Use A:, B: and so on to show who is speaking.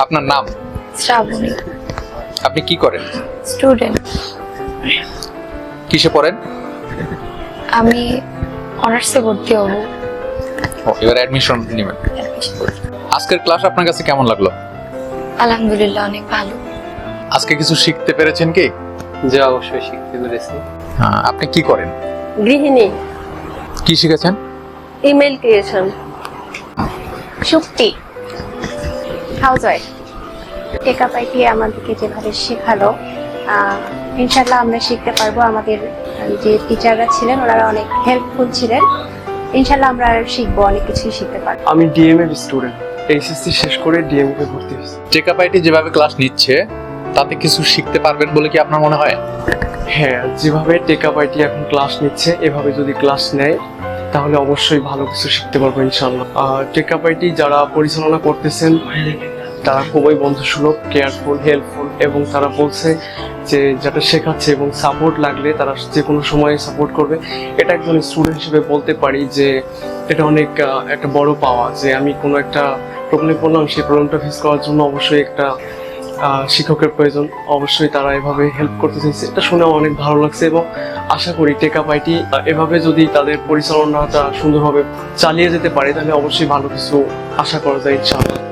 A: আপনার নাম?
B: শ্রাবণী।
A: আপনি কি করেন?
B: স্টুডেন্ট।
A: কিসে পড়েন?
B: আমি অনার্সে ভর্তি হব।
A: এবার অ্যাডমিশন নেবেন। আজকের ক্লাস আপনার কাছে কেমন লাগলো?
B: আলহামদুলিল্লাহ, অনেক ভালো।
A: আজকে কিছু শিখতে পেরেছেন কি?
C: যে অবশ্যই শিখতে পেরেছি।
A: আপনি কি করেন?
D: গৃহিণী।
A: কি শিখেছেন?
D: Email creation.
E: Shakti housewife. Tech up IT আমাদেরকে যেভাবে শেখালো, ইনশাল্লাহ আমরা শিখতে পারবো। আমাদের যে টিচাররা ছিলেন ওনারা অনেক হেল্পফুল ছিলেন। ইনশাল্লাহ আমরা শিখবো, অনেক কিছুই শিখতে পারবো।
F: আমি ডিএমএ স্টুডেন্ট, এইচএসসি শেষ করে ডিএমএ ভর্তি হয়েছি।
A: টেকআপ আইটি যেভাবে ক্লাস নিচ্ছে তাতে কিছু শিখতে পারবেন বলে কি আপনার মনে হয়?
F: হ্যাঁ, যেভাবে টেকআপ আইটি এখন ক্লাস নিচ্ছে এভাবে যদি ক্লাস নেয় তাহলে অবশ্যই ভালো কিছু শিখতে পারবো ইনশাআল্লাহ। টেকআপ আইটি যারা পরিচালনা করতেছেন তারা খুবই বন্ধুসুলভ, কেয়ারফুল, হেল্পফুল, এবং তারা বলছে যে যেটা শেখাচ্ছে এবং সাপোর্ট লাগলে তারা যে কোনো সময় সাপোর্ট করবে। এটা একজন স্টুডেন্ট হিসেবে বলতে পারি যে এটা অনেক একটা বড় পাওয়া, যে আমি কোনো একটা প্রবলেমে পড়লাম, সেই প্রবলেমটা ফেস করার জন্য অবশ্যই একটা শিক্ষকের প্রয়োজন। অবশ্যই তারা এভাবে হেল্প করতে চাইছে, এটা শুনে অনেক ভালো লাগছে। এবং আশা করি টেকআপ আইটি এভাবে যদি তাদের পরিচালনাটা সুন্দরভাবে চালিয়ে যেতে পারে তাহলে অবশ্যই ভালো কিছু আশা করা যায় ইনশাআল্লাহ।